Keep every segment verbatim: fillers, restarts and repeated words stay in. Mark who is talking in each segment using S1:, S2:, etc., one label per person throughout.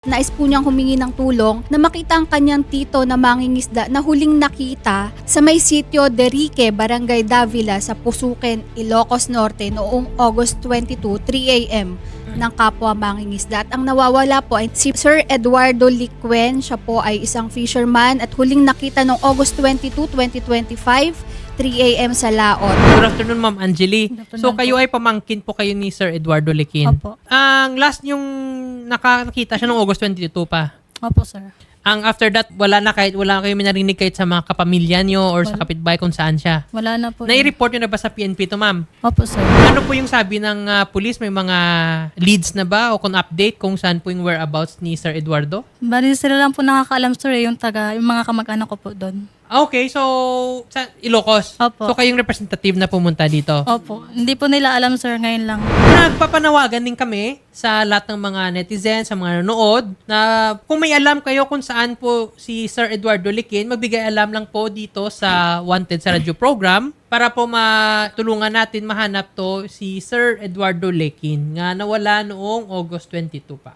S1: Nais po niyang humingi ng tulong na makita ang kanyang tito na mangingisda na huling nakita sa may sitio Derique, Barangay Davila sa Pusuken, Ilocos Norte noong August twenty-two, three a m ng kapwa mangingisda. At ang nawawala po ay si Sir Eduardo Liquen. Siya po ay isang fisherman at huling nakita noong August twenty-two, twenty twenty-five, three a m sa Laot.
S2: Good afternoon, Ma'am Angeli.
S3: afternoon
S2: So, kayo
S3: po.
S2: ay pamangkin po kayo ni Sir Eduardo Liquen.
S3: Opo.
S2: Ang last yung nakakita siya noong August twenty-two pa.
S3: Opo, sir.
S2: Ang after that, wala na kahit, wala kayo narinig kahit sa mga kapamilya nyo or sa
S3: Wala.
S2: kapitbahay kung saan siya.
S3: Wala na po.
S2: Nai-report nyo na ba sa P N P to, Ma'am?
S3: Opo, sir.
S2: Ano po yung sabi ng ah, police? May mga leads na ba o kung update kung saan po yung whereabouts ni Sir Eduardo?
S3: Bali sila lang po nakakaalam, sir, eh, yung taga, yung mga kamag-anak ko po doon.
S2: Ah, okay, so sa Ilocos.
S3: Opo.
S2: So kayong representative na pumunta dito.
S3: Opo. Hindi po nila alam, sir, ngayon lang.
S2: Nagpapanawagan din kami sa lahat ng mga netizens, sa mga nanonood, na kung may alam kayo kung saan po si Sir Eduardo Liquen, magbigay alam lang po dito sa Wanted sa Radio Program para po matulungan natin mahanap to si Sir Eduardo Liquen nga nawala noong August twenty-two pa.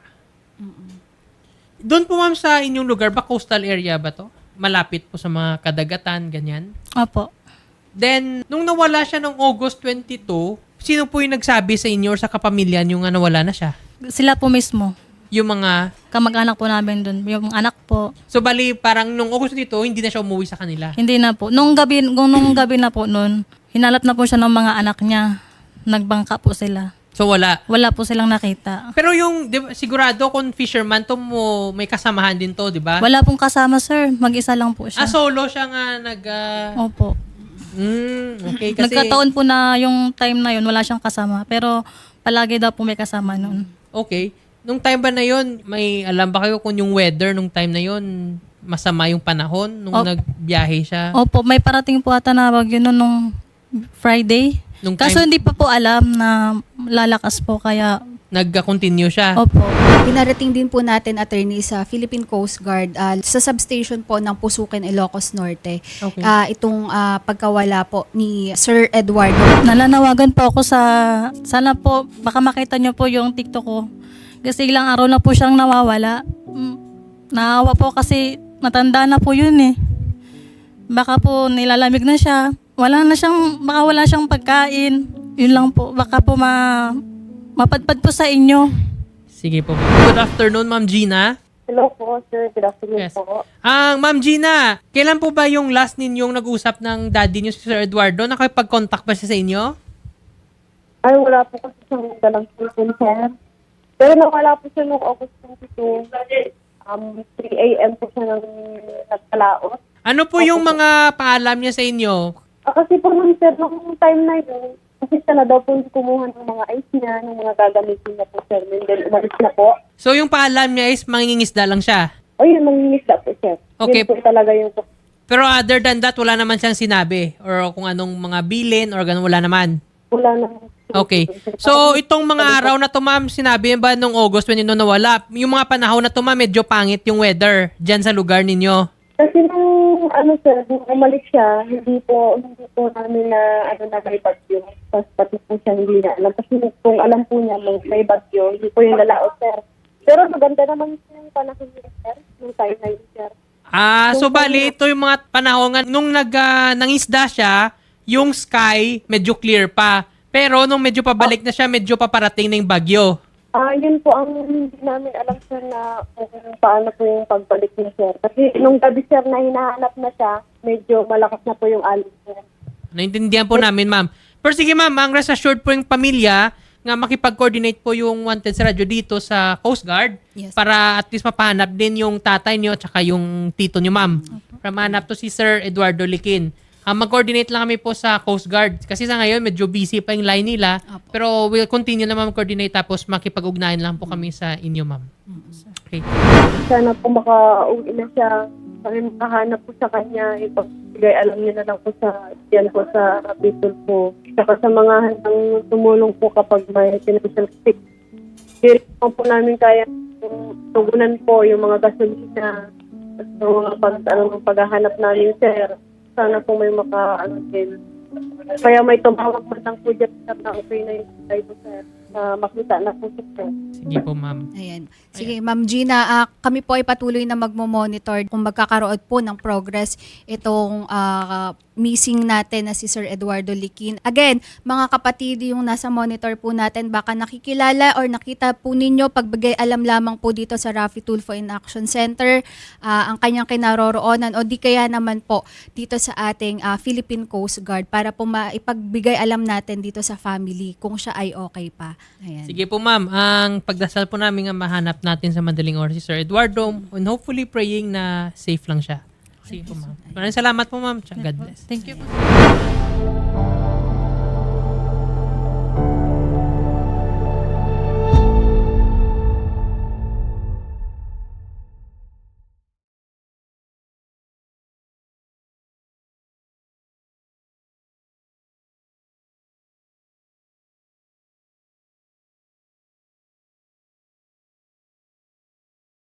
S2: Doon po, ma'am, sa inyong lugar, ba coastal area ba to? Malapit po sa mga kadagatan, ganyan?
S3: Opo.
S2: Then, nung nawala siya noong August twenty-two, sino po yung nagsabi sa inyo or sa kapamilya nyo nga nawala na siya?
S3: Sila po mismo.
S2: Yung mga...
S3: Kamag-anak po namin doon. Yung anak po.
S2: So, bali, parang nung August twenty-two, hindi na siya umuwi sa kanila.
S3: Hindi na po. Nung gabi, nung, nung gabi na po noon, hinalap na po siya ng mga anak niya. Nagbangka po sila.
S2: So, wala.
S3: Wala po silang nakita.
S2: Pero yung, di ba, sigurado kung fisherman to mo, may kasamahan din to, di ba?
S3: Wala pong kasama, sir. Mag-isa lang po
S2: Ah,
S3: siya.
S2: solo siya nga nag... ah,
S3: Opo.
S2: mm, okay, kasi...
S3: Nagkataon po na yung time na yun, wala siyang kasama. Pero palagi daw po may kasama noon.
S2: Okay. Nung time ba na yon, may alam ba kayo kung yung weather nung time na yon masama yung panahon nung
S3: Op-
S2: nagbiyahe siya?
S3: Opo, may parating po ata na bagyo noon nung Friday.
S2: Nung
S3: Kaso
S2: time-
S3: hindi pa po alam na lalakas po kaya
S2: Nag-continue siya?
S3: opo.
S1: Pinarating din po natin, attorney, sa Philippine Coast Guard ah, sa substation po ng Pusuken, Ilocos Norte.
S2: Okay.
S1: Ah, itong ah, pagkawala po ni Sir Eduardo.
S3: Nalanawagan po ako sa sana po baka makita niyo po yung TikTok ko. Kasi ilang araw na po siyang nawawala. Mm, Naawa po kasi matanda na po yun eh. Baka po nilalamig na siya. Wala na siyang, baka wala siyang pagkain. Yun lang po. Baka po ma, mapadpad po sa inyo.
S2: Sige po. Good afternoon, Ma'am Gina.
S4: Hello po, sir. Good afternoon
S2: Yes.
S4: po.
S2: Ang Ma'am Gina, kailan po ba yung last ninyong nag-usap ng daddy niyo si Sir Eduardo? Nakipag-contact ba siya sa inyo?
S4: Ay, wala po kasi siyang dalang cellphone, sir. Pero nawala po siya noong August twenty-two. Um, three a m po siya nang nagkalaot.
S2: Ano po yung mga paalam niya sa inyo?
S4: Ah, kasi po nung sir, nung time na yun, kasi siya na daw po kumuha ng mga ice niya, ng mga gagamitin niya po, sir. And then umalis na po.
S2: So yung paalam niya is mangingisda lang siya.
S4: O yun, mangingisda po, sir.
S2: Okay.
S4: Yun po talaga yung...
S2: Pero other than that, wala naman siyang sinabi or kung anong mga bilin or ganun, wala naman.
S4: Wala na.
S2: Okay. So, itong mga araw na to, ma'am, sinabi ba nung August when yun nawala, yung mga panahon na to, ma'am, medyo pangit yung weather dyan sa lugar ninyo.
S4: Kasi nung, ano sir, nung umalis siya, hindi po, hindi po namin na, ano na may bagyo. Tapos pati po siya hindi na alam. Kasi kung alam po niya may, may bagyo, hindi po yung lalaot, sir. Pero maganda naman yung panahon niya, sir. Nung time na yun, sir.
S2: Ah, so bali, ito yung mga panahon nga, nung nag, ah, nangisda siya, yung sky medyo clear pa. Pero nung medyo pabalik na siya, medyo paparating na yung bagyo.
S4: Ah, yun po ang hindi namin alam, sir, na kung paano po yung pagbalik niya, sir. Kasi nung gabi, sir, na hinahanap na siya, medyo malakas na po yung alon, sir.
S2: Naintindihan po namin, ma'am. Pero sige, ma'am, ang rest assured po yung pamilya nga makipag-coordinate po yung Wanted sa radyo dito sa Coast Guard
S1: Yes.
S2: para at least mapahanap din yung tatay niyo at saka yung tito niyo, ma'am. Para mahanap to si Sir Eduardo Liquen. Ah, mag-coordinate lang kami po sa Coast Guard. Kasi sa ngayon, medyo busy pa yung line nila.
S1: Apo.
S2: Pero we'll continue naman mag-coordinate tapos makipag-ugnayan lang po kami sa inyo, ma'am. Okay.
S4: Sana po makauwi na siya. Sana makahanap po sa kanya. Ipagbigay alam niya na lang po sa, yan po sa kapitol po. Saka sa mga handang tumulong po kapag may financial stick. Hindi po po namin kaya tugunan po yung mga gasolina at yung mga pag, ano, paghahanap namin, sir. Sana po may maka, ano din. Kaya may tumawag man lang po dyan, sir, na okay na yung side, sir. na makita na po siya.
S2: Sige po, ma'am.
S1: Ayan. Sige, Ma'am Gina, ah, kami po ay patuloy na magmo-monitor kung magkakaroon po ng progress itong ah, missing natin na si Sir Eduardo Liquin. Again, mga kapatid, yung nasa monitor po natin, baka nakikilala or nakita po ninyo, pagbigay alam lamang po dito sa Rafi Tulfo in Action Center, ah, ang kanyang kinaroroonan o di kaya naman po dito sa ating ah, Philippine Coast Guard para po maipagbigay alam natin dito sa family kung siya ay okay pa. Ayan.
S2: Sige po, ma'am. Ang pagdasal po namin nga mahanap natin sa madaling oras si Sir Eduardo and hopefully praying na safe lang siya. Sige po, ma'am. Maraming salamat po, ma'am. God bless.
S3: Thank you po.